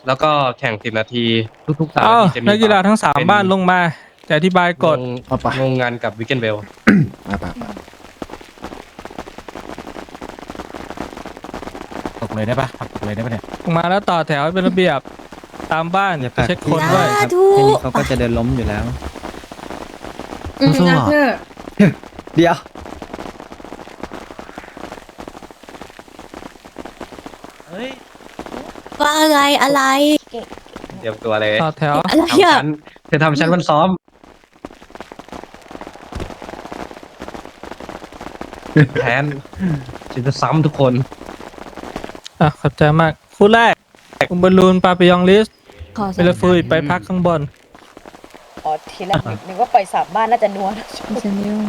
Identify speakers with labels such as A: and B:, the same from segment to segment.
A: แล้วก็แข่ง10 นาทีทุกๆ3 นาทีจะมี
B: นักกีฬาทั้ง3
A: เป็น
B: บ้านลงมาจะอธิบายกฎ
C: เอาไป
A: งงงานกับวิกเกนเวล
C: มาไป
D: ตกเลยได้ปะตกเลยได้ปะเนี่ย
B: ลงมาแล้วต่อแถวให้เป็นระเบียบตามบ้าน
E: อย่าผลัก
B: เช็คคนด้วย
E: ครับแค่นี้เขาก็จะเดินล้มอยู่แล้ว
C: สู้ๆ
E: เดี๋ยว
F: ว่าอะไรอะไร
A: เตรียมตัวเลย
B: ต่อแถว
F: อะไร
A: ทำ
F: อ่ะ
A: ชั้นจะทำชั้นมันซ้อมแผนจะซ้ำทุกคน
B: ขอบใจมากคู่แรกอุมบอลลูนปาปิยองลิส
F: ขอ
B: เบลฟูไปพักข้างบน
G: อ๋อทีแรกนึกว่าปล่อยสามบ้านน่าจะนัวนะ
F: เซนิว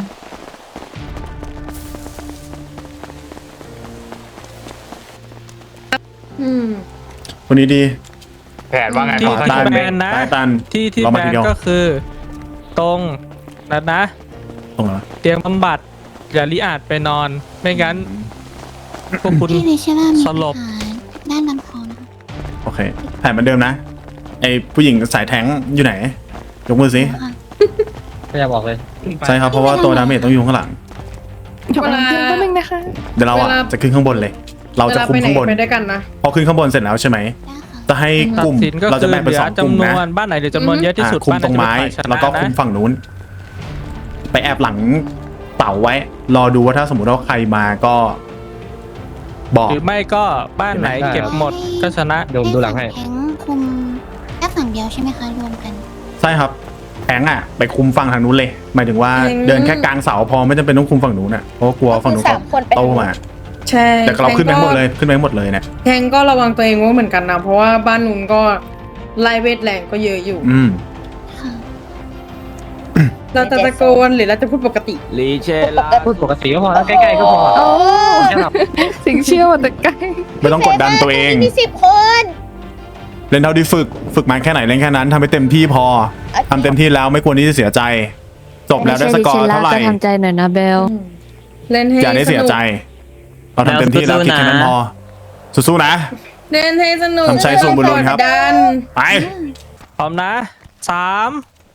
C: คนนี้ดี
H: แผนว่าไง
B: ที่
H: ครับ
B: ที่แบนนะ
C: ตายตัน
B: ที่
C: เรา
B: แบ
C: มาที
B: น
C: เดียว
B: ก็คือ ตรงนัดนะ
C: ตรงไหนวะ
B: เตียงบำบัดอย่าลิอาจไปนอน ไม่งั้นพวกคุณ
F: ที่ในเชล่ามี
B: สลบ
F: ด้านลำคอนะคะ
C: โอเคแผนเหมือนเดิมนะไอผู้หญิงสายแทงอยู่ไหนยกมือสิ
F: ค่ะ
A: ไม่อยากบอกเลย
C: ใช่ครับเพราะว่าตัวดาเมจต้องอยู่ข้างหลัง
I: เวลาก็นึงนะคะ
C: เดี๋ยวเราอ่ะจะขึ้นข้างบนเลย เราจะคุมข้างบน
I: ไปด้วยกันนะ
C: พอขึ้นข้างบนเสร็จแล้วใช่ไหม
F: ได้ค่ะ
C: จะให้
B: ตั
C: ก
B: ด
C: ลุ่ม
B: สินก็
C: เรา
B: คื
C: จะ
B: อ
C: แบ่งเป็น
B: เหลื
C: ส
B: อ
C: องกลุ่ม
B: จำน
C: นะ
B: วนบ้านไหนเหลือจำนวนเยอะที่สุด
C: คุม
B: บ้าน
C: ตรง
B: นั้น
C: ไม้
B: จะเป็นฝ่ายชนะ
C: แล้วก็คุม
B: นะ
C: ฝั่งนู้น ไปแอบหลังเต่าไว้ รอดูว่าถ้าสมมติว่าใครมาก็บอก
B: หรือไม่ก็บ้านไหนเก็บหมดก็ชนะ
A: เดี๋ยวผมดูหลังให้
F: แทงคุมแค่ฝั่งเดียวใช่ไหมคะรวมกัน
C: ใช่ครับแทงอ่ะไปคุมฝั่งทางนู้นเลย หมายถึงว่า
I: อืม
C: เดินแค่กลางเสาพอไม่จำเป็นต้องคุมฝั่งนู้นอ่ะเพราะว่ากลัวฝั่งนู้น
G: สามคนไป
C: โตมา
I: ใช่
C: แต่เราขึ้นไปหมดเลยขึ้นไปหมดเลยเนี่ย
I: แทงก็ระวังตัวเองไว้เหมือนกันนะ เพราะว่าบ้านนู้นก็ไล่เวทแรงก็เยอะอยู่
C: อืม
F: ค่ะ
I: เราจะตะโกนหรือเราจะพูดปกติ
D: ลีเชลา
A: พูดปกติก็พอแล้วใกล้ๆก็พอแค่แบบ
I: สิงเชื่อมาแต่ใกล้
C: ไม่ต้องกดดันตัวเอง
G: มี10 คน
C: เล่นเท่าที่ฝึกมาแค่ไหนเล่นแค่นั้นทำให้เต็มที่พอทำเต็มที่แล้วไม่ควรที่จะเสียใจ จบแล้วได้สกอร์เท่าไหร่
F: จะทำใจหน่อยนะเบล
I: เล่นให้
C: อย่าได้เสียใจ เราทำเต็มที่แล้วคิดแค่นั้นพอสู้ๆนะ
I: เล่นให้สนุก
C: ทำใจสู้บุญลุ้นครับ
I: กดดัน
C: ไป
B: พร้อมนะ3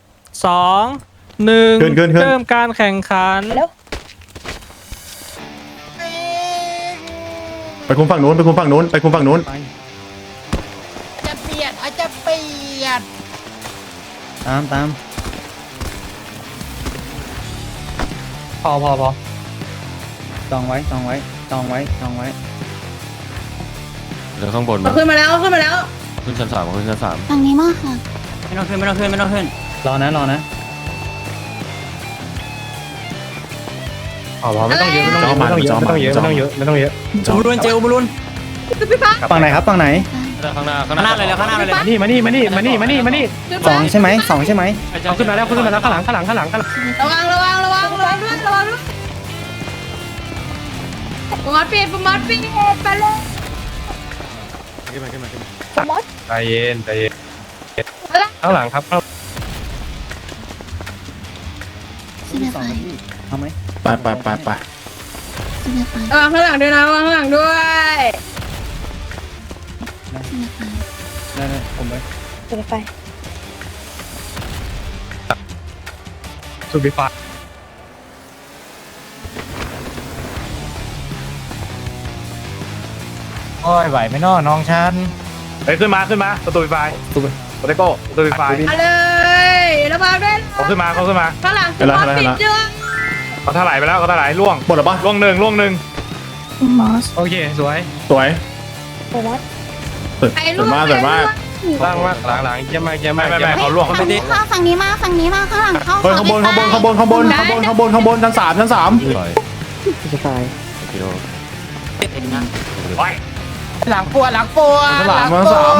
B: 2 1
C: ขึ้น
B: เริ่มการแข่งขัน
G: แล้ว
C: ไปคุมฝั่งนู้นไปคุมฝั่งนู้นไปคุมฝั่งนู้น
D: จะเปลี่ยนอาจจะเปลี่ยน
E: ตาม
A: พอ
E: จองไว้
D: เดี๋ยวข้างบน
I: เอาขึ้นมาแล้วขึ้นมาแล้ว
D: ขึ้นชั้น 3ขึ้นชั้น
F: ฝั่งนี้มากค่ะ
E: ไม่ต้องขึ้น รอนะ
A: พอไม่ต้องเยอะไม่ต้องเยอะไม่ต้องเยอะไม่ต้องเยอะ
E: อุบลุนเจลอุบลุนฝั่งไหนครับฝั่งไหน
D: 3ข้างหน้าเลยแล้วข้างหน้าเลย
A: มานี่
E: สองใช่ไหม
A: เอาขึ้นมาแล้วข้างหลัง
I: ระวังด้วยประมาทปิดไปเลย
A: ใจเย็นข้างหลังครับ
F: ซินาไฟ
E: เอาไหม
C: ไป
F: ซินาไฟ
I: ระวังข้างหลังด้วยนะระวังข้างหลังด้วย
F: ซินาไฟ
E: ได้ผมไป
G: ถึงไฟ
A: สุบิฟ้า
D: โอ้ยไหวไหมน้อน้องฉัน
H: เฮ้ยขึ้นมาประตูไฟโปเตโก้ประตูไฟ
I: เอาเลยระวังด้วย
H: เขาขึ้นมา
I: ข้างหลังประมาทปิดด้วย
H: เขาถลายไปแล้วเขาถลายล่วง
C: หมดแล้วปะ
H: ล่วงหนึ่ง
F: มอส
A: โอเคสวย
C: สวย
G: โอ้วัด
C: สวยมาก
A: ล่างมากหลังเยี่ยมมาก
H: ไม่เขาล่วง
F: ฝั่งนี้เข้าฝั่งนี้มาข้างหลังเข้า
C: เฮ้ยข้างบนชั้นสาม
D: ปล่อยกิโล
B: หลังปวด
C: ชั้นสาม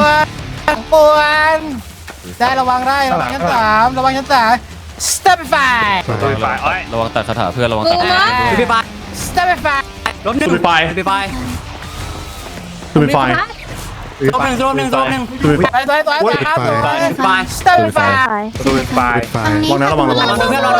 B: ได้ระวังชั้น 3ระวังชั้น 3 step
H: ประตูไฟโอ้ย
D: ระวังตัดคาถาเพื่อนระวังตัด
B: step
C: สุดไปstep
F: ไฟ
H: ประตูไฟ
F: ฝั่งนี้
C: ระวัง
F: ระวัง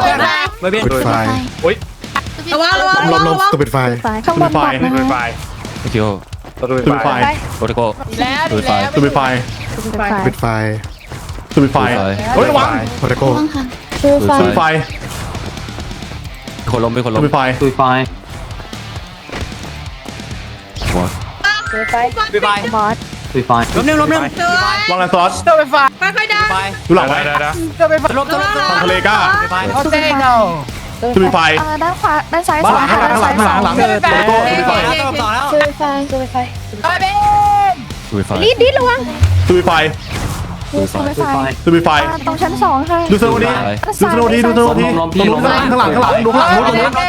H: อุ้ย
I: ระวัง
C: ตัวเป็นไฟ
F: ข้างบนบอด
H: ประตู
F: นะ
H: ไฟ
D: กิโล
H: ประตู
C: ตัวเป็นไฟ
H: ไฟ
D: โปรโตโก้
B: แล้ว
D: ตัวไฟ
C: ตัวเป็นไฟ
F: ส
I: ไฟ
E: ปิดไฟ
C: สวิตไฟเฮ้ยระวัง
E: โปรโตโก้
F: ว่างค่ะคือไฟ
C: สวิตไฟ
H: คนล้มเป็นคน
C: ส
H: ล้ม
C: วิตไฟ
H: ตุยไฟ
G: ตุยไฟ
F: บอส
H: ตุยไฟล้มหนึ่ง
C: วางแลนสล็อต
I: ไม่ค่อยได้
C: ดูหลังไว้
A: ได้
C: ทางทะเลก้า
F: เขาเต้งเอา
C: สวิตไฟ
F: ด้านขวาด้านซ้าย
C: ข้างหลังข้างหลังข้างหลังข้างหลังข้างหลัง
B: เกิด
C: โปรโตโก้สวิตไฟ
F: คือไฟ
G: ตุยไฟ
H: ตุยไฟ
G: ดิดระวัง
C: สวิตไฟ
F: คือไฟ
C: สวิตไฟ
F: ตรงชั้น2ค่ะ
C: ดูสโนว์ดีดูสโนว์ดีดูสโนว์ดีตรงนู้นข้างหลังข้างหลังดูข้างหลังนู้นตรงนู้น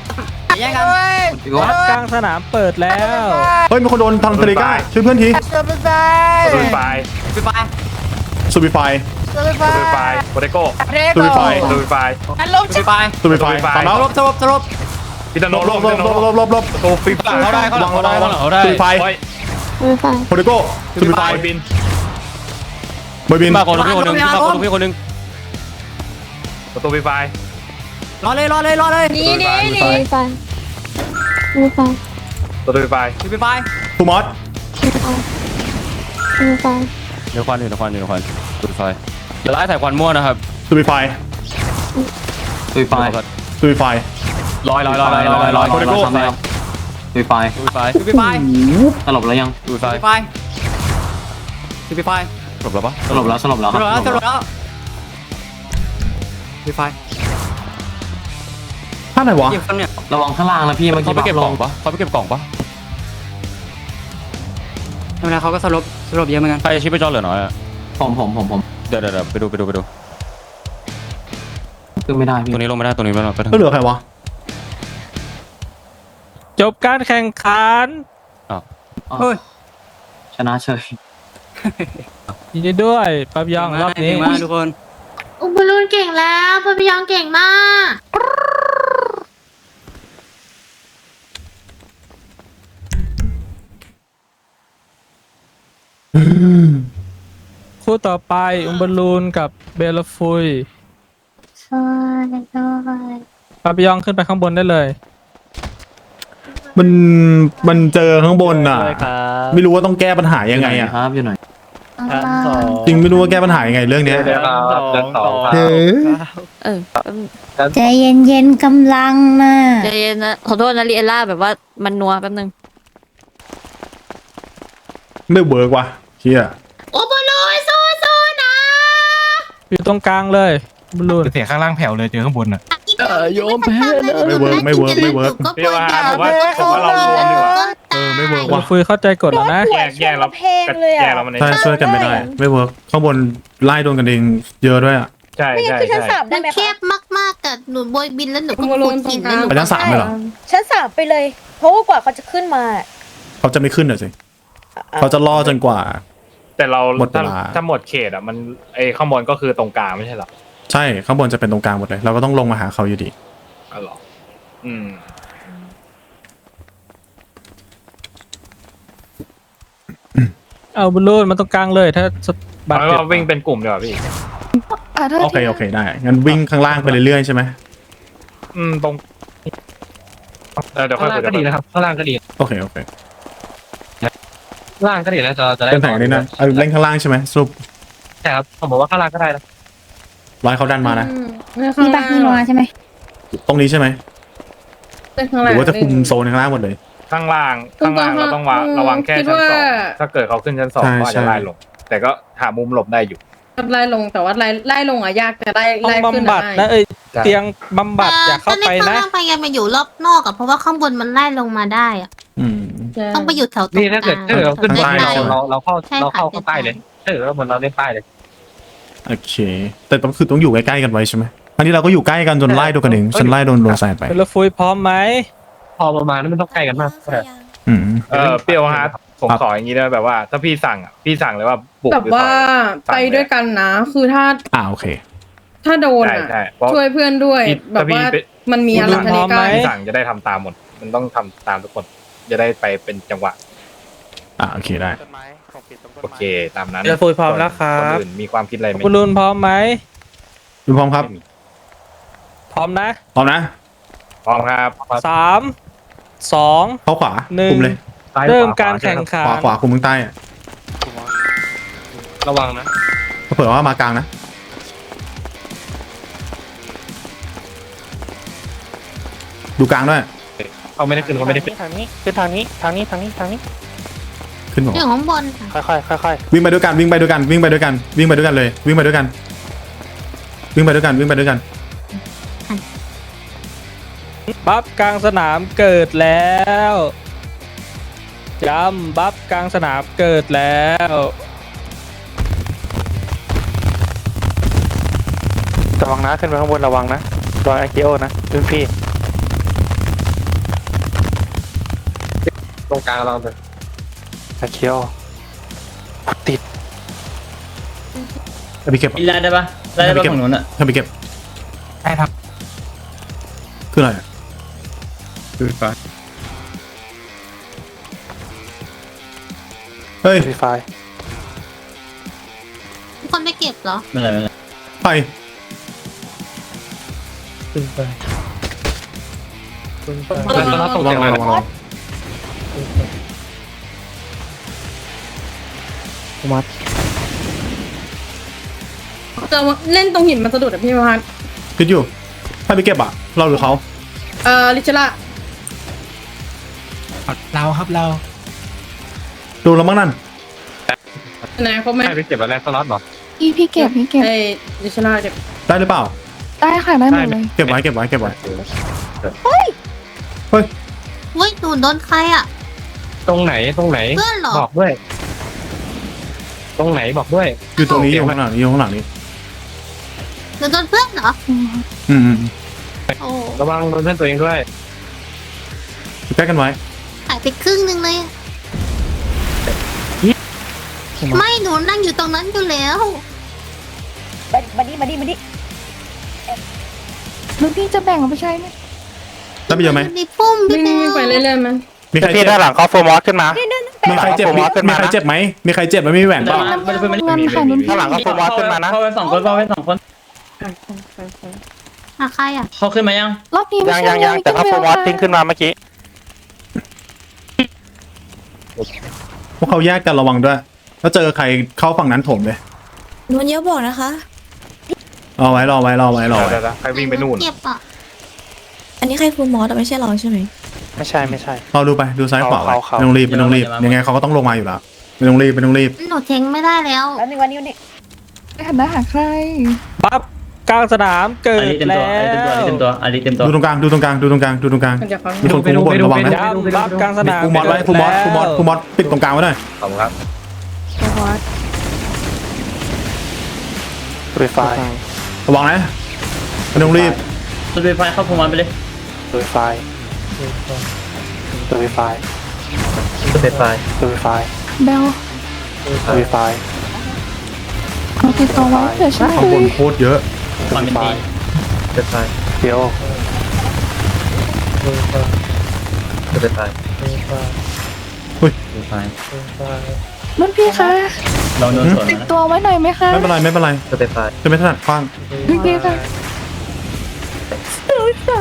B: วัดกลางสนามเปิดแล้ว
C: เฮ้ยมีคนโดนทางทะเลก้าช่วยเพื่อนที
A: สตูดิฟาย
C: สวิตไฟ
A: สตูดิฟายโปรเตโก้
C: สวิตไฟ
A: สตูดิฟาย
C: สวิตไฟตามแล้ว
A: พิตาโน
C: ลบลบลบลบลบลบ
A: สตูฟิฟายเขาได้
C: วางสวิตไฟ
F: คือไฟ
C: โปรโตโก้สวิตไฟ
A: บิน
C: บอยบิน
H: มาคนพี่คนนึงมาคนพี่คนนึง
A: สตูดิฟาย
G: นี่นี่
F: คือไฟคือไฟ
A: สตูดิฟาย
C: ทูมอส
F: คือไฟ
H: เดี๋ยวควันอยู่ควันตุยไฟเดี๋ยวไล่ใส่ควันมั่วนะครับ
C: สวิตไฟ
H: ตุยไฟ
C: สวิตไฟ
H: ลอยตุยไฟสลบแล้วยังตุยไฟสลบแล้วปะสลบแล้วครับ
C: ท่าไหนวะ
H: ระวังข้างล่างนะพี่เมื่อกี้เขาไปเก็บกล่องปะเขาไปเก็บกล่องปะ
E: ทำไมเขาก็สลบเยอะเหมือนกัน
H: ใครชิปไปจอเหลือน้อยอะผมเดี๋ยวไปดูขึ้นไม่ได้พี่ตรงนี้ลงไม่ได้ตรงนี้ไม่ได้
C: ก็เหลือใครวะ
B: จบการแข่งขัน
H: ชนะเฉย
B: ยินดีด้วยปั๊บยองรอบนี้
E: ทุกคน
F: อุบลูนเก่งแล้วพพยองเก่งมาก
B: คู่ต่อไปอุมบอลลูนกับเบลฟุย
F: ใช่ด้วย
B: ปั๊บยองขึ้นไปข้างบนได้เลย
C: มันเจอข้างบนอ่ะ ไม่รู้ว่าต้องแก้ปัญหายังไงอ่ะ
H: ครับอยู่ไหน
C: จริงไม่รู้ว่าแก้ปัญหายังไงเรื่องเนี้ย
A: เดี๋ยวครับเดินต่อ
F: ใจเย็นๆกำลังน่ะ
J: ใจเย็นนะขอโทษนะลีเอล่าแบบว่ามันนัวแป๊บนึง
C: ไม่เวิร์กว่ะเฮีย
F: อุบลูนสู้ๆนะ
B: อยู่ตรงกลางเลยอุมบอลลูน
A: เสียงข้างล่างแผ่วเลยเจอข้างบนอ่ะ
F: โยมแพ้นะ
C: ไม่เวิร์ก
A: พี่ว่าผมว่าเรารวมดีกว่า
C: ไม่เวิร์ก
B: เบล
C: ว่ะ
B: ฟุยเข้าใจกฎแล้วนะ
A: แยกเราแยกเรามัน
C: ใช่ช่วยกันไม่ได้ ไม่เวิร์กข้างบนไล่โดนกันเองเยอะด้วยอ่ะ
A: ใช่
G: ไม่งั้น
A: ใช่
G: คือชั้น
A: ใช่
G: 3ได้ไหม
F: แค
G: คะ
F: บมากๆกับหนูโบยบินแล้วหนูก็
I: อุบลู
F: ขุด
I: น
F: หิน
I: ตรงกลาง
F: แล้วหนู
C: ไปชั้น 3เลยเหรอ
G: ชั้น 3ไปเลย เพราะว่ากว่าเขาจะขึ้นมา
C: เขาจะไม่ขึ้นเหรอสิเขาจะล่อจนกว่า
A: แต่เรา
C: หมดเวลา
A: ถ้าหมดเขตอ่ะมันไอข้างบนก็คือตรงกลางไม่ใช่หรอ
C: ใช่ข้างบนจะเป็นตรงกลางหมดเลยเราก็ต้องลงมาหาเขาอยู่ดี
A: อ๋อเหรออืม
B: เอาอุมบอลลูนมาตรงกลางเลยถ้าบาด
A: เอา
B: เจ็บ
A: ว่าวิ่งเป็นกลุ่มดีกว่าพี่
C: โอเคได้งั้นวิ่งข้างล่างไปเรื่อยๆใช่ไหม
A: ตรงเดี๋ยวค่อยคุยกันดีนะครับข้างล่างก็ดี
C: โอเค
A: ล่างก็ดีแล้วจะได้
C: เป็นแผงนี้นะเอาเล่นข้างล่างใช่ไหมสรุป
A: ใช่ครับผมบอกว่าข้างล่างก็ได้นะ
C: ร้อยเขาดันมานะ
F: มีปะมีนัวใช่ไหม
C: ตรงนี้ใช่ไหม
I: เป็นข้าง
C: ห
I: ล่าง
C: รือว่าจะคุมโซนข้างล่างหมดเลย
A: ข้างล่างเราต้องระวังแค่ชั้น 2ถ้าเกิดเขาขึ้นชั้น 2
C: ใช่
A: ก็อาจจะไล่ลงแต่ก็หามุมหลบได้อยู่
I: ไล่ลงแต่ว่าไล่ลงอ่ะยากแต่ไล่
B: ห้อง
I: ขึ้น
B: บำบัด
I: ได้
B: นะเตียงบำบัดอย่าเข้าไปนะ
F: ข้างล่างพยายามมาอยู่รอบนอกอะเพราะว่าข้างบนมันไล่ลงมาได้อะ
C: อืม
F: ต้องไปอยู่แถวตรง
A: นี่ถ้าเกิดเราขึ้นใต้
C: ใช่
A: เราเข้าใต้เลยถ้าเกิดว่าเหมือนเราเล่นใต้เลย
C: โอเค แต่ต้องอยู่ใกล้ๆกันไว้ใช่ไหมอันนี้เราก็อยู่ใกล้กันจนไล่โดนกันเองฉันไล่โดนแซดไป
B: เบลฟุยพร้อมไหม
A: พอประมาณนั้นมันต้องใกล้กันมาก
C: อืม
A: เปรี้ยวฮาร์ดผมขออย่างนี้ได้แบบว่า ถ้าพี่สั่งเลยว่าบุก
I: แต่
A: หรือ
I: ว่า
A: ต่อย
I: ไปด้วยกันนะ คือ
C: โอเค
I: ถ้าโดนอ่ะ
A: ใช่เพราะ
I: ช่วยเพื่อนด้วย แบบว่ามันมีอะไรทะเลกัน
A: พี่สั่งจะได้ทำตามหมดมันต้องทำตามทุกคนจะได้ไปเป็นจังหวะ
C: โอเคได้
A: โอเคตามนั้น
B: เบลฟุยพร้อมแล้วครับ
A: คนอื่นมีความคิดอะไรไหม
B: อุมบอลลูนพร้อมไหม
C: ดูพร้อมครับ
B: พร้อมนะ
C: พร้อมนะ
A: พร้อมครับ
B: 3 2
C: เข้าขวา
B: หนึ่ง
C: คุมเลย
B: เริ่มการแข่งขัน
C: ขวาคุมข้างใต้อะ
A: โระวังนะ
C: เผื่อว่ามากลางนะดูกลางด้วย
A: เขาไม่ได้ขึ้นเขาไม่ได้ขึ้น
H: ทางนี้ขึ้นทางนี้ทางนี้ทางนี้ทางนี้
C: ขึ้นบอก
F: อยู่ข้างบนค่ะ
H: ค่อย
C: วิ่งไปด้วยกันวิ่งไปด้วยกันวิ่งไปด้วยกันวิ่งไปด้วยกันเลยวิ่งไปด้วยกันวิ่งไปด้วยกันวิ่งไปด้วยกัน
B: บัฟกลางสนามเกิดแล้วจำบัฟกลางสนามเกิดแล้ว
H: ระวังนะขึ้นไปข้างบนระวังนะรอยอากิโอนะรุ่นพี่
A: ตรงกลางเราเลย
H: อากิโอติด
C: ถ้าไปเก็บ
E: ไล่ได้ปะไล่ได้ปะฝั่งนู้นอ่ะ
C: ถ้าไปเก็บ
A: ได้ครับ
C: คืออะไร
E: คือฟ้า
C: เฮ้ย
H: ฟรีไฟ
F: ทุกคนไม่เก็บเหรอ
E: ไม่เป็นไรไม่เป็นไร
C: ไป
A: แล้วตรง
C: ระ
A: ก
C: วั
A: ลาง ง
C: ระวังระวัง
I: จะเล่นตรงหินมันสะดุดอะพี่พัน
C: คิดอยู่ถ้าไปเก็บอ่ะเราหรือเขา
I: ลิชล่า
A: เราครับเรา
C: ดูแล้วมั้งนั่น
I: ไหนครบไหม
A: ให้ไปเก็บอะไรสล็อตหรอ
K: พี่เก็บ
I: ลิชล่าเก็บ
C: ได้หรือเปล่า
K: ได้ค่ะได้หมดเลย
C: เก็บไว้เก็บไว้เก็บไว้
F: เว้ยหนูโดนใครอ่ะ
A: ตรงไหนตรงไหน
F: เพื่อนเหรอ
A: บอกด้วย ตรงไหนบอกด้วย
C: อยู่ตรงนี้อยู่ข้างหลังนี้อยู่ข้างหลังนี้
F: หนูโดนเพื่อนเหรอ
C: อืม
F: โอ้
A: ระวังโดนเพื่อนตัวเองด้วย
C: ใกล้กันไว้
F: หายไปครึ่งนึงเลยอะไม่หนูนั่งอยู่ตรงนั้นอยู่แล้ว
G: มาดิมาดิมาดิ
K: แล้วพี่จะแบ่งเอาไปใช้ไหม
C: ได้ไปเยอะไหม
F: ในพุ่ม
I: วิ่
F: พี่
I: ง
F: แมว
I: ไปเรื่อยๆมั้ย
C: มีใคร
H: พี่
C: เจ็บ
H: ด้านหลังเขาโฟมอสขึ้นมา
C: มีใครเจ็บมีใครเจ็บไหมมีใครเจ็บไหมมีแหวนเปล่า
K: เงินค่ะนุ่น
H: ด้านหลังเขาโฟมอสขึ้นมานะ
E: เข้าไปสองคนเข้าไปสองคน
F: หาใครอ่ะ
E: เขาขึ้นมายัง
K: รอบนี้ไม่
H: ยัง
K: ใช่
H: ยังแต่เขาโฟมอสทิ้งขึ้นมาเมื่อกี้
C: พวกเขาแยกกันระวังด้วยถ้าเจอใครเข้าฝั่งนั้นถมเลย
J: นวลเยอะบอกนะคะ
C: รอไว้รอไว้รอไว้รอไว้
A: เดี๋ยวๆใครวิ่งไปนู่น
F: เก็บอ่ะ
J: อันนี้ใครฟูลมอสอะไม่ใช่เราใช่ไหม
H: ไม่ใช่ไม่ใช่
C: รอดูไปดูซ้ายขวาไว้
H: เขา
C: ไม่ต้องรีบไม่ต้องรีบยังไงเขาก็ต้องลงมาอยู่แล้วไม่ต้องรีบไม่ต้องรีบ
F: หนูเทงไม่ได้แล้ว
G: แล้วนึงวันนี้วันนี้
K: ไม่หันหน้าหาใคร
B: บัฟกลางสนามเกิดแล้ว
E: อาริเต็มตัว
C: ดูตรงกลางดูตรงกลางดูตรงกลางดูตรงกลาง
I: มันจะฟัง
C: มีคนคุมข้างบนระวังนะ
B: จำบัฟกลางสนาม
C: ฟูมอสไว้ฟูมอสฟูมอสฟูมอสปิดตรงกลางไว้หน่อย
A: ขอบคุณครับ
H: ฟรีไฟ
C: ระวังนะไม่ต้องรีบ
E: สุดไฟเข้าพวงมันไปเลย
H: ฟรีไฟฟรีไฟ
E: สุดไฟ
H: ฟรีไฟ
K: เบล
H: ฟรีไฟ
K: เอาติดตัวไว้เผื่อฉัน
C: ข้างบนโคตรเยอะ
E: ความเป็นดี
H: เดี๋ยว
K: รุ่นพี่คะ
E: ลองโดนสวน
K: ติดตัวไว้หน่อยไหมคะ
C: ไม่เป็นไรไม่เป็นไรจะไม่ถนัดคว้าง
K: รุ่นพี่คะรุ่นพี่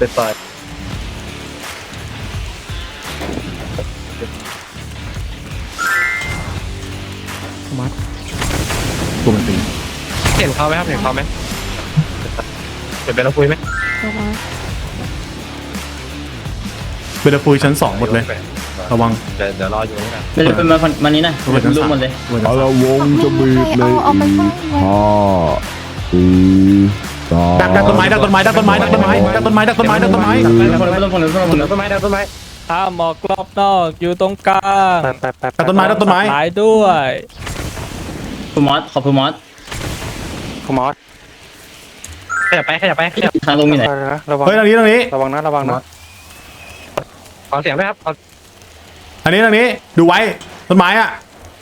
C: ตัวมันตี
A: เห็นเขาไหมครับเห็นเขาไหมเดี๋ยวไปเราคุยไหม
C: เบลฟูชั้น2หมดเลยระวัง
A: เดี๋ยวรออยู่นี่นะ
E: เป็นมานี้นะลูกหมดเลย
K: เอาละวงจะบีบเลยเอาไปไว้ไว้
C: ดักต้นไม้ดักต้นไม้ดักต้นไม้ดักต้นไม้ดักต้นไม้ดักต้นไม้ดักต้นไม้
A: ต้นไม้ต้นไม้
B: ห้ามหมอกรอบนอกอยู่ตรงกลาง
H: ไป
C: ดักต้นไม้ดักต้นไม้
B: หลายด้วย
E: ฟูมอสขอฟูมอส
H: ฟูมอส
A: ขยับไปขยับไปขยับ
E: ทางลงมีไหน
H: ระวัง
C: เฮ้ยทางนี้ทางนี้
H: ระวังนะระวังนะ
A: ขอเสียงด้วยครับ
C: ทางนี้ดูไว้ต้นไม้อ่ะ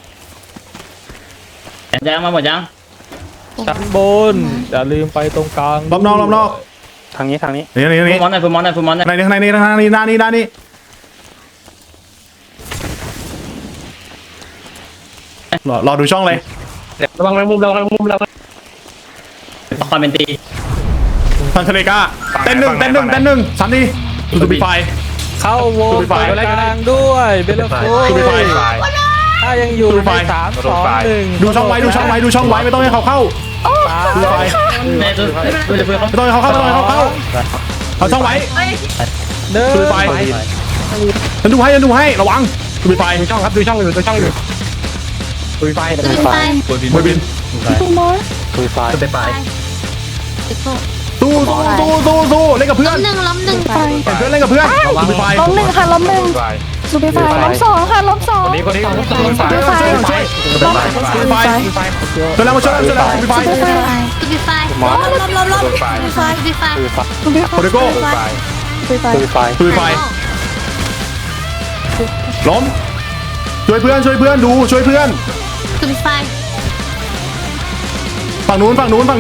E: ยังมาหมดยัง
B: ชั้นบนอย่าลืมไปตรงกลาง
C: รอบนอก
H: ทางนี้ทางนี้
C: นี่
E: ฟูมอสหน่อยฟูมอสหน่อยฟูมอสหน่อย
C: ข้างในนี่ด้านนี้ด้านนี้รอดูช่องเลย
A: ระวังมุมเรามุมเรา
E: ความเป็นตี
C: ทางทะเลก้าเต้นหนึ่งสามทีดูปีไฟ
B: เข้าวง
C: สู้ไป
B: กลางด้วยเบลฟู
C: สู้ไป
B: ห้ยังอยู่ใน3 2 1
C: ดูช่องไว้ไม่ต้องให้เขาเข้าดูไฟไม่ต้องให้เขาเข้าเอาช่องไว้
B: เดิน
C: ดูไฟฉันดูให้ระวังดูไฟ
A: ดูช่องครับดูช่องอยู่ดูช่องอยู่ดูไฟ
F: ตื่นไป
C: มวยบิน
K: ตูมอส
C: สู้เล่นกับเพื่อน
F: ล้มหนึ่ง
K: ไป
C: เพื่อนเล่นกับเพื่อนดูไฟ
K: ล้มหนึ่งค่ะล้มหนึ่งซูเปอร์ไฟล้มสองค่ะล้มสอง
A: คนนี้
K: ซูเปอร์ไฟล้ม
C: ดูไฟเชิญแล้วมาช่วยดูไฟ
K: ซูเปอร์ไฟ
F: ตูบีไฟล้มตูบีไฟตูบีไฟ
K: ซูเปอร์ไฟ
C: โคเดโก้
K: ซูเปอร์ไฟ
C: ดูไฟล้มช่วยเพื่อนดูช่วยเพื่อน
F: ตูบีไฟ
C: ฝั่งนู้น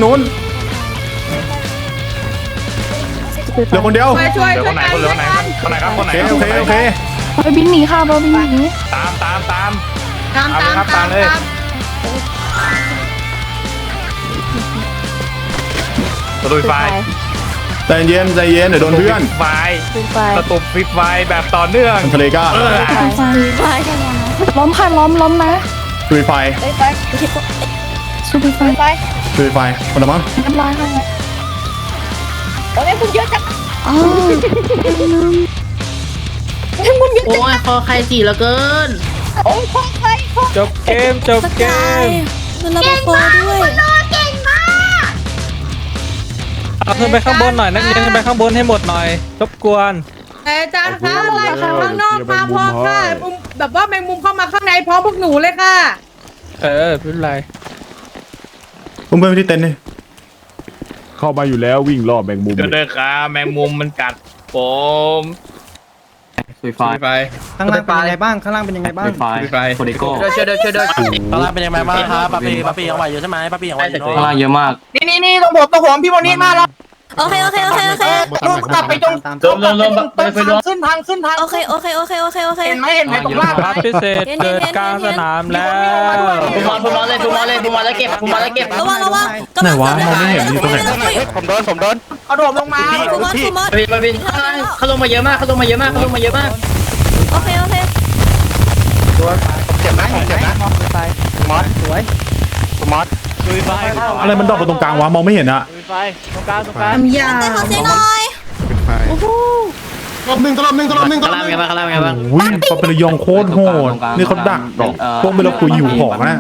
C: เหลือคนเดียว
I: ช่วย
A: เดี๋ยวคนไหนครับ
C: โอเค
K: บอยบินหนีค่ะบอยบินหนี
A: ตาม
I: ตาม
A: ประตูไฟ
C: ใจเย็นเดี๋ยวโดนเพื่อน
A: ไฟ
K: ซูเปอร์ไฟ
A: ประตูฟิตไฟแบบต่อเนื่อง
C: ทะเลก้า
K: ไฟล้มค่ะล้มนะ
C: ดูไฟ
G: ไปไป
K: ซูเปอร์ไฟ
G: ไป
C: ดูไฟคนละมั้ง
K: เรียบร้อยค่ะ
G: ตอนนี้คุณเยอะจัง
K: อ๋อ
I: โอ้ยคอใครจีเหลือเกิน
G: โอ้ยพ่อใครพ่อ
B: จบเกม
F: เก่งมากคุณโนเก่งมาก
B: เอาขึ้นไปข้างบนหน่อยนักเรียนขึ้นไปข้างบนให้หมดหน่อยรบกวน
I: แต่อาจารย์คะอะไรข้างนอกมาพร้อมค่ะแบบว่าแมงมุมเข้ามาข้างในพร้อมพวกหนูเลยค่ะ
B: ไม่เป็นไร
C: เพื่อนที่เต็นท์นี่
E: เข้ามาอยู่แล้ววิ่งรอบแมงมุม
A: เดี๋ยวครับแมงมุมมันกัดผม
H: ไฟ
E: ข้างล่างเป็นยังไงบ้างข้างล่างเป็นยังไงบ้าง
H: ไฟโคเดโก้
A: ช่วยด้วย
H: ข้างล่างเป็นยังไงบ้างครับป้าปียังไหวอยู่ใช่ไหมป้าปียังไหวอยู่ข้างล่างเยอะมาก
D: นี่ตรงผมพี่โมนี่มาแล้ว
F: โอเค
D: ลงกลับไปตรงขึ้นทาง
F: โอเค
D: เห็นไหมตรงล่าง
B: ครับพิเศษเกิดกลางสนามแล้ว
D: บูมอนเลยเก็บ
F: ระวัง
C: ไหนวะมองไม่เห็นอยู่ตรงไหน
A: ผมโดน
D: เอาโดดลงมา
F: บินเขาลงมาเยอะมากโอเค
A: เจ็บนะมอสสวยมอสดูไฟ
C: อะไรมันดอกไปตรงกลางวะมองไม่เห็นอะ
A: ดูไฟตรงกลาง
I: ทำยา
F: แต่ขอเสียงหน่อย
C: รอบหนึ่งอุ้ยปาเปรยองโคตรโหดนี่เขาดักดอกพวกเวลาคุยอยู่ของนะ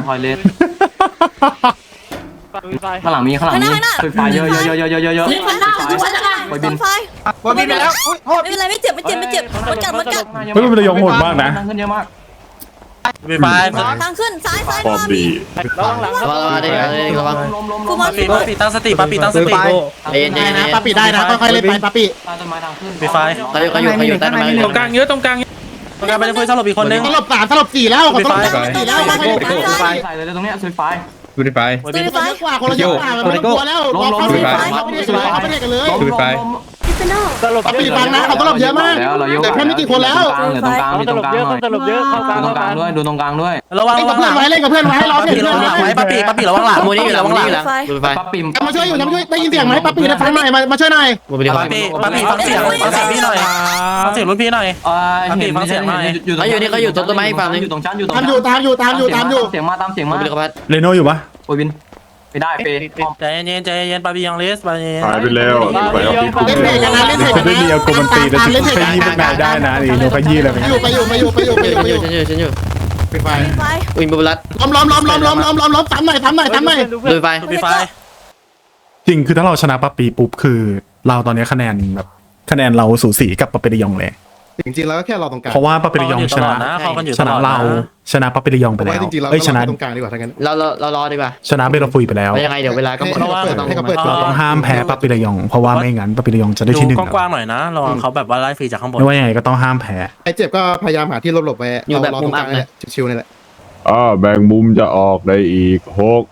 H: ข้างหลังมีไฟเยอะ
F: คนหน้าบนไฟ
D: บอลบินไปแล้ว
F: ไม่เป็นไรไม่เจ็บมันกัด
C: เฮ้ยปาเปรยองโหดมากนะ
H: ขึ้นเยอะมาก
A: ไฟ
F: ทางขึ้นซ้าย
E: พร้อมดี
A: ระวังหลัง
F: กูมา
H: ป้าปีตั้งสติ
D: เย็นนะป้าปิได้นะค่อยๆเล่นไปป้าปิ
H: ต้นไม้ทางขึ้น
D: ไฟเขาอยู่ใต้ต้นไม้
B: ตรงกลางเยอะตรงกลาง
H: ไปเล่นเพื่อนสลบอีกคนนึง
D: สลบ4แล้วขอโทษ4แล้ว
H: ใส่เลยตรงเนี้ยซุยไฟ
A: ดูไฟ
F: ตื่นไฟ
D: กว่าคนละเยอะกว่าไม่ต้องกลัวแล้วรอเข้าไปไม่ได้กันเลย
A: ดูไฟ
D: ป้าปิฟังนะเขาสลบเยอะมากแต่แค่ไม่กี่คนแล้ว
H: เหลือตรงกลางมีตรงกลางหน่อย
A: ตลบเยอะเข้ากลาง
H: ดูตรงกลางด้วยดูตรงกลางด้วยระวัง
D: เล่นกับเพื่อนไว้เล่นกับเพื่อนไว้รอเพื่อน
H: ระวังหลังไว้ป้าปีระวังหลังมูนี่ระวังหลัง
F: ไฟ
H: ป้าปี
D: มาช่วยอยู่นะมาช่วยได้ยินเสียงไหมป้าปีนะฟังหน่อยมาช่วยหน่อย
H: ป้าปีฟังเสียงพี่หน่อยฟังเสียงรุ่นพี่หน่อยป้าปีฟังเสียงหน่อยอยู่ต้นไม้ฝั่งนึงอยู่ตรงชั้นอยู่ตรง
D: ตามอยู่เสียงมา
C: เรโนอยู่ปะ
H: โอ้ยบินไม่ได้เปใจเย็นปาบียังเลสปาบี
E: หายไปแล้วไปเอาพี่
D: เล่นเพลงกันนะเล่นเพลง
C: จะได้เรียวโกมันตีแต่ขยี้พวกนายได้นะนี่โนขยี้เลย
D: ไปอยู่ไปไฟ
F: ไฟ
D: ล้อมตามหน่อย
H: ดูไฟ
C: จริงคือถ้าเราชนะปาปีปุ๊บคือเราตอนนี้คะแนนเราสูสีกับปาเปรยองเลย
E: จริงๆแล้วก็แค่รอตรงกลาง
C: เพราะว่าปาเปรยองชนะเราชนะปาเปรยองไปแล้ว
E: จริงๆเรา
C: ชนะ
E: ตรงกลางดีกว่าทั้งนั้น
D: เรารอดีกว่า
C: ชนะเบลฟุยไปแล้ว
D: ยังไงเดี๋ยวเวลาก็
E: ให้เขาเปิด
C: เราต้องห้ามแพ้ปาเปรยองเพราะว่าไม่งั้นปาเปรยองจะได้ที่หนึ่ง
H: กว้างๆหน่อยนะระวังเขาแบบว่าไล่ฟรีจากข้างบน
C: ไม่ว่ายังไงก็ต้องห้ามแพ้
E: ไอ้เจ็บก็พยายามหาที่หลบๆไว้รอตรงกลางนี่แหละชิวๆนี่แหละ
L: แบ่งมุมจะออกได้อีก6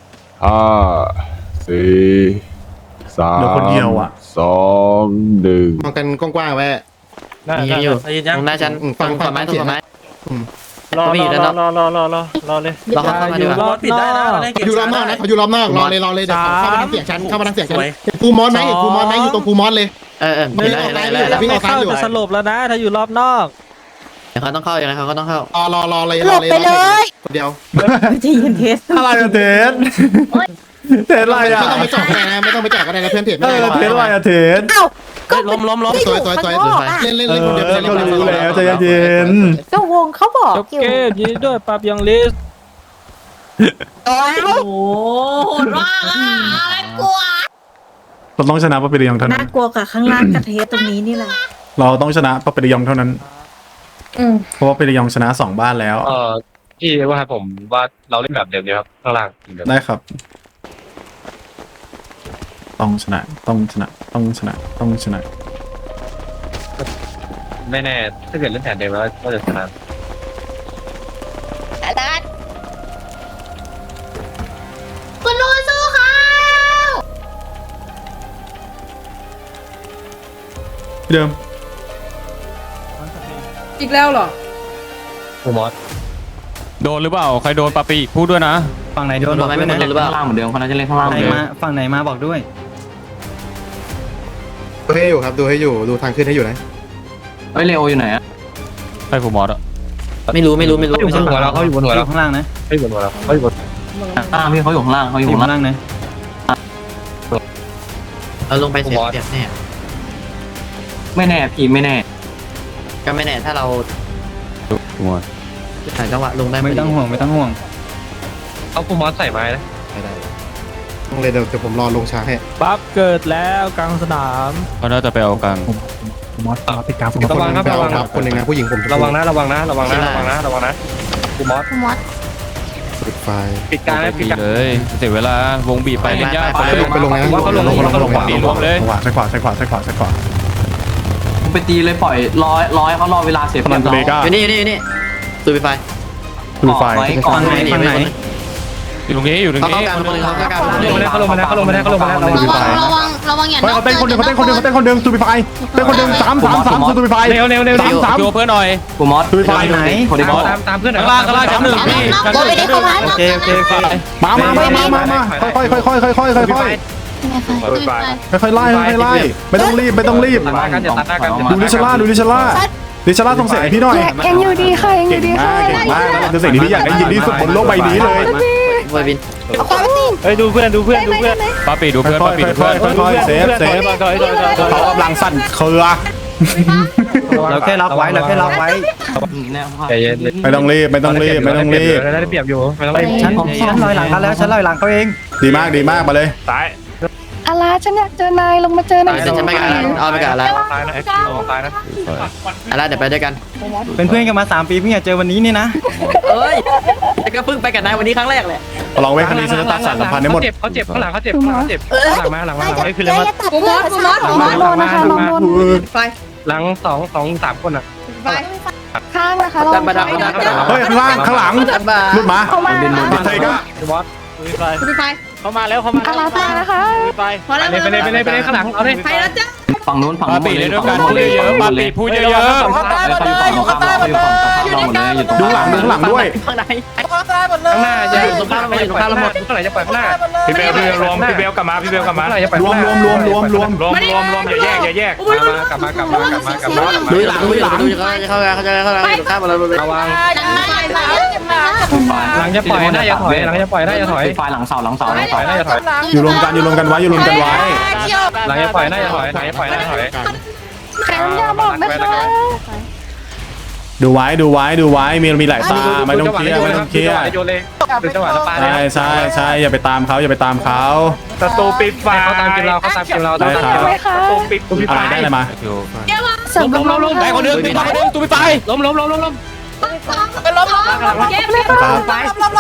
L: 5 4 3
C: เดี๋ยวคนเดียวอะ
L: 2 1
E: มองกันกว้างๆไว้
H: ยิงอยู่ยังหน้าฉัน
E: ฟังเสียง
A: รอเลย
H: เราเข้ามาดีกว่าปิดได้นะ
E: อยู่รอบนอกนะเขาอยู่รอบนอกรอเลยเดี๋ยวเข้ามาทางเสียงฉันเห็นภูมอสไหมอยู่ตรงภูมอสเลย
C: ไม่เข้าจะสลบแล้วนะถ้าอยู่รอบนอก
H: เขาต้องเข้าอย่างไรเขาก็ต้องเข้าร
E: อเลย
F: หลบไปเลย
E: เดียว
I: จะยินเทส
C: อะไรอะเทนเทนอะไรอะ
E: ไม่ต้องไปจอดกันนะไม่ต้องไปจอดกันนะเพื่อนเทรด
C: เอ
E: ไม่ได้
C: อเทนอะไรอะเทน
F: เอ้าก็
H: ล้ม
E: สวยเล่นคนเดียว
C: ก็รู้แล้วใจเย็น
F: ก็วงเขาบอก
B: จบเกมยินดีด้วยปรับยังลิส
F: โอ้โหโหดมากอ่ะอะไรกลัว
C: เราต้องชนะปาปิริยองเท่านั้
I: น่าน กลัวกับข้างล่างกระเทสตรงนี้นี่แหละ
C: เราต้องชนะปาปิริยองเท่านั้นเพราะว่าปาปิริยองชนะ2 บ้านแล้ว
A: พี่ว่าผมว่าเราเล่นแบบเดิมดีครับข้างล่าง
C: ได้ครับ ต้องชนะต้องชนะต้องชนะต้องชนะ
A: ไม่แน่ถ้าเกิดเล่นแผนเดิมแล้วก็จะชนะ
F: คุณลุงสู้เขา
C: เดิม
I: อีกแล้วเหรอ
A: กูมอส
B: โดนหรือเปล่าใครโดนปาปีพูดด้วยนะ
H: ฝั่งไหนโดนบอกด้วยนะข้างล่างเหมือนเดิมคนนั้นจะเล่นข้างล่างเหมือนเดิมฝั่งไหนมาบอกด้วย
E: ดูให้อยู่ครับดูให้อยู่ดูทางขึ้นให้อยู่นะ
H: เฮ้ยเลโออยู่ไหนอะ
B: ใครผมมอสอะ
H: ไม่รู้
A: เขาอยู่บนหัวเราเขาอยู่บนหัวเรา
H: ข้างล่างนะ
A: เขาอยู่บนหัวเราเขาอยู่บน
H: พี่เขาอยู่ข้างล่างเขาอยู่ข้างล่างนะเราลงไปเสียแน่ไม่แน่พี่ไม่แน่ก็ไม่แน่ถ้าเรา
B: ผมมอส
H: ถ่ายจังหวะลงได้ไม่ต้องห่วงไม่ต้องห่วง
A: เขากูมอสใส่ไม้นะ
E: ต้องเลยเดี๋ยวผมรอลงช้าให้
B: ปั๊บเกิดแล้วกลางสนามเขาน่าจะไปเอากลาง
C: มอสติดกลาง
A: ระวังครับระวัง
E: ครับคนหนึ่งนะผู้หญิงผม
A: ระวังนะระวังนะระวังนะระวังนะระวังนะกูมอส
F: คุณมอส
E: ปิดไฟ
A: ปิดกลางนะปิดกลาง
B: เลยเสียเวลาวงบีบไปเล่นยาก
E: ไปลงนะ
A: เขาลง
B: บีบรวมเลย
C: ใส่ขวาใส่ขวาใส่ขวาใส่ขวา
H: ไปตีเลยปล่อยร้อยเขารอเวลาเสียเปรียบเราอยู่นี่ตูบีไฟ
C: ดูไฟ
H: ฝั่งไหน
B: อยู่ตรงนี้อยู่ตรงนี้
A: เขาลงมาแล้วเขาลงมาแล้วเขาลงมาแล้ว
F: ระวังอย่า
C: เฮ้ยเขาเต้นคนหนึ่งตูบิไฟเต้นคนหนึ่ง3ตูบิไฟ
A: เร็ว
C: 3
B: ดูเพื่อนหน่อย
H: กูมอส
C: ตูบิไฟ
H: ไหนคนเดียว
A: ตามเพื่อน
B: ข้างล่างชั้นหนึ่งพี่
F: ก็ไม่ได้เข้ามา
B: โอเค
C: มาค่อยไล่ไม่ต้องรีบ
A: มากันอย่าตัดหน้ากัน
C: ดูลิชล่าส่งเสียงให้พี่หน่อย
K: ยังอยู่ดีค่ะยังอยู่ดีค่ะ
C: เก่งมากคือสิ่งที่พี่อยากได้ยินที่สุดบนโลกใบนี้เลย
H: บอยบิน
A: เฮ้ยดูเพื่อน
B: ปาปีดูเพื่อน
C: ค่อยเซฟเขากำลังสั่นเครือ
H: เราแค่ล็อกไว้
A: ใจเย็น
C: ไม่ต้องรีบ
A: ได้เปรียบอยู่ไม่ต้องรีบ
H: ฉันลอยหลังเขาแล้วฉันลอยหลังเขาเอง
C: ดีมากมาเลย
A: ซ้าย
K: อะไรฉันอยากเจอนายลงมาเจอนาย
H: ฉันไม่กันเอาไปกันแล้ว
A: ซ้ายนะซ้ายนะ
H: อะไรเดี๋ยวไปด้วยกันเป็นเพื่อนกันมา3 ปีเพิ่งจะเจอวันนี้นี่นะเอ้ยก็เพิ่งไปกับนายวันนี้ครั้งแรกแหละ
C: ลองเว้ยครั้งนี้ฉันจะตัดสารสัมพันธ์ให้หมด
A: เขาเจ็บข้างหลังเขาเจ็บหลังมาไม่คือเลยมา
F: กูมอส
K: โดนนะคะน้องโดน
I: ไฟ
A: หลัง2-3 คนอ่ะ
I: ไฟ
K: ข้างนะคะลอง
C: เฮ้ยข้างหลังลุดมา
K: เข้ามา
C: เทก้า
A: บอส
I: ไฟ
A: เขามาแล้ว
K: อะไรมานะคะ
I: พอแล้ว
A: ไปเลยข้างหลังเอาเลย
I: ไฟแล้วจ้ะ
H: ฝั่งนู้นฝั่ง
B: ปาปีเล่นด้วยกันพูดเยอะปาปีพูดเยอะ
H: เขาอยู่ฝั่งข้ามเราอยู่ฝั่งข้ามเราหมดเลยอยู่ตรง
C: ดูหลังด้วย
H: ข้างใน
A: ข้างหน้าจะอยู่ตรงข้างเราอยู่ข้างเราหมดเท่าไหร่จะปล่อยข้างหน้าพี่เบลรวมพี่เบลกลับมาเท่าไหร่จะปล่อย
C: รวม
A: อย่าแยกกลับมากลับมา
H: ดูหลังดูเข้าข้ามมาเลย
A: ระวัง
F: ห
A: หลังจะปล่อยน่าจะถอยหลังจะปล่อยน่าจะถอย
H: ไฟหลังเสา
A: ปล่อยน่าจะถอย
C: อยู่รวมกันไว้
A: หลังจะปล่อยน่าจะถอยหลังจะปล่อยน่าจะถอย
K: แขนอย่าบอกนะคะ
C: ดูไว้มีหลายตาไม่ต้องเครียด
A: โยนเลยเป็นจังหวะสปา
C: ใช่อย่าไปตามเขา
A: ศัตรูปิดไฟเขาตามเกมเราศัตรูปิด
C: อะไรได้อะไรมา
K: เสริมกำลัง
B: ได้คนนึงตูไปไฟ
A: ล้ม
I: เก็บเลย
C: ครับ
A: ไฟ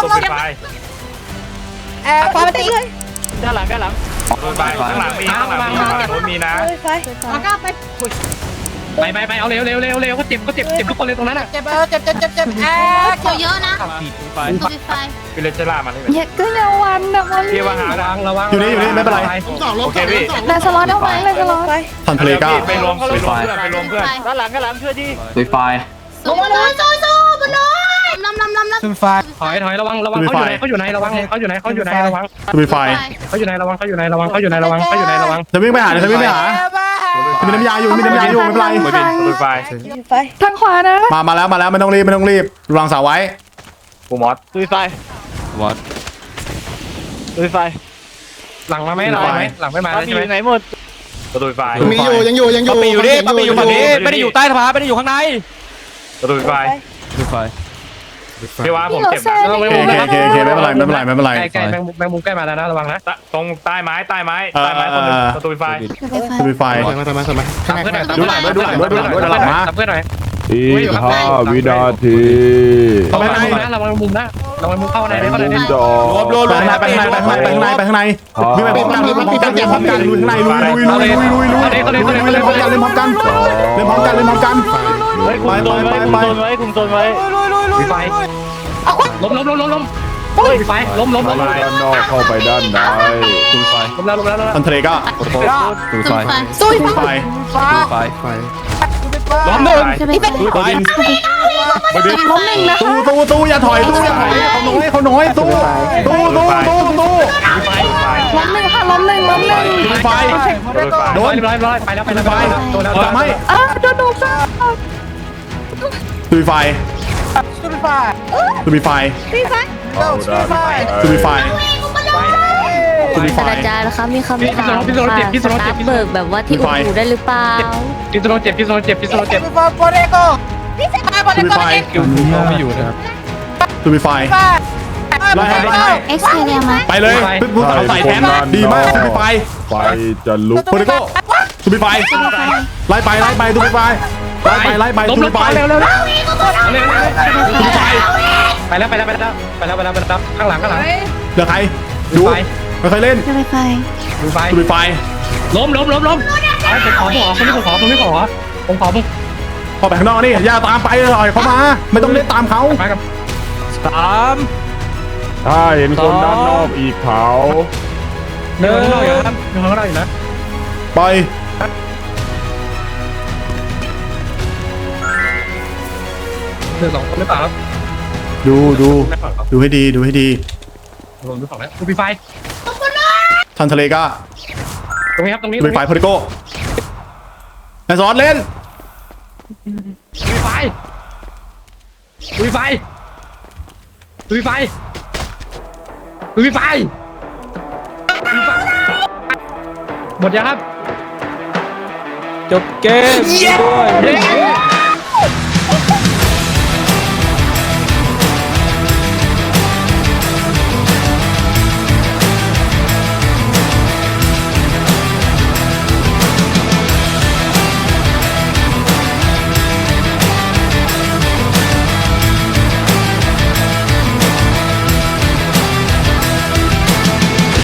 I: ไฟมาตีเลย
A: ด้านหลังไปข้างหลังมีนะ
I: เอาก้าไป
A: ไปเอาเร็วเขาเจ็บทุกคนเลยตรงนั้นอ่ะ
I: เจ็บ
F: เยอะนะตัวไฟ
A: คือเลนเจล่ามาเลย
K: อย่าก็อย่าวันนะวัน
A: เกียร์วางระวัง
C: อยู่นี่ไม่เป็นไร
A: โอเคพี่
K: นายสล็อตเอาไว้นายสล็อต
C: ทันทะเลก้า
A: ไปรวมเพื่อนด้านหลังช่วยดิ
H: ดูไฟ
F: สู้บนน้อยลำ
A: ถอยระวังเขาอยู่ไหนระวังเขาอยู่ไหนระวัง
C: ดูไฟ
A: เขาอยู่ไหนระวังจะวิ่งไปหา
C: มีน้ำยาอยู่ไม่เป็นไร
A: ดูไฟ
G: ไฟ
K: ทางขวานะ
C: มาแล้วไม่ต้องรีบวางเสาไว้
A: ปูมอส
H: ดูไฟวอดดูไฟ
A: หลังมาไหมหลังไม่มาใช่ไหม
H: ไหนหมด
A: ดูไฟ
E: มีอยู่ยังอยู่
B: ปั๊บปีอยู่ดิปั๊บปีอยู่ฝั่งนี้ไม่ได้อยู่ใต้สะพานไม่ได้อยู่ข้างใน
A: ดูไฟ
H: ดูไฟ
A: พี่ว่าผมเจ็บนะ
C: โอเคไม่เป็นไร
A: ใกล้แมงมุมใกล้มาแล้วนะระวังนะตรงใต้ไม้คนนึงประตูไฟ
C: ดูไฟ
E: มาข้างใน
C: ดูหลังมา
A: ตับเพื่อนหน่อย
L: อีก5 วินาที
A: ระวังมุมนะระวังมุมเข้าในได้เข้าใน
L: มุมจะออก
C: รวมไปข้างในวิ่งไปพร้อมกันลุยข้างในลุยพร้อมกันลุยพร้อมกันเล่นพร้อมกัน
A: คุมโซนไว้มีไฟล้มไฟล้ม
L: ด้านนอกเข้าไปด้านใน
H: ดูไฟ
A: ล้มแล้ว
C: ทันทะเลก็
H: ดูไฟ
K: สู้
C: ไฟ
H: ดูไฟ
B: ล้อมหนึ่ง
K: จะไปไป
C: ตัวดิน
K: ล้มหนึ่งนะ
C: ตู้อย่าถอยเขาน้อยตู้
K: ล้มหนึ่งค่ะล้มหนึ่ง
C: ไฟ
A: โดนร้อยไปแล้วโดนแล้ว
C: ทำให้
K: โดนดูซ่า
C: ตู้ไฟ
J: ศาสตราจารย์นะคะมีคำถามค่ะสตาร์เบิร์กแบบว่าที่อู่ได้หรือเปล่า
A: พิษโลเจ็บ
C: ตู้ไฟ ตู้ไฟไล่ให้
K: เอ็กซ์เรียมา
C: ไปเลยผู้สาวใส่แทนดีมากตู้ไฟ
L: ไฟจะลุก
C: โปรโตตู้ไฟไล่ไปตู้ไฟไล่ไปตู้ไฟ
A: เร็วไปแล้วข้างหลัง
C: เหลือใครดูไม่เคยเล่น
K: จะไปไป
A: ดูไฟ
C: ตู้ไฟ
A: ล้มผมขอผมขอ
C: พอไปข้างนอกนี่อย่าตามไปเลยเขามาไม่ต้องเล่นตามเขา
A: มากับ
B: 3
L: ถ้าเห็นคนด้านนอกอีกเขา
A: เดินข้างนอกอยู่นะ
C: ไป
A: เดิน2 คนหรือเปล่าครับ
C: ดูให้ดีดู
A: 2แล้วดูไฟ
C: ทันทะเลก็
A: ตรงนี้ครับตรงนี้
C: ลุยไฟโปรโตนายสอนเล่น
A: ดูไฟหมดยังครับ
B: จบเกมด้วย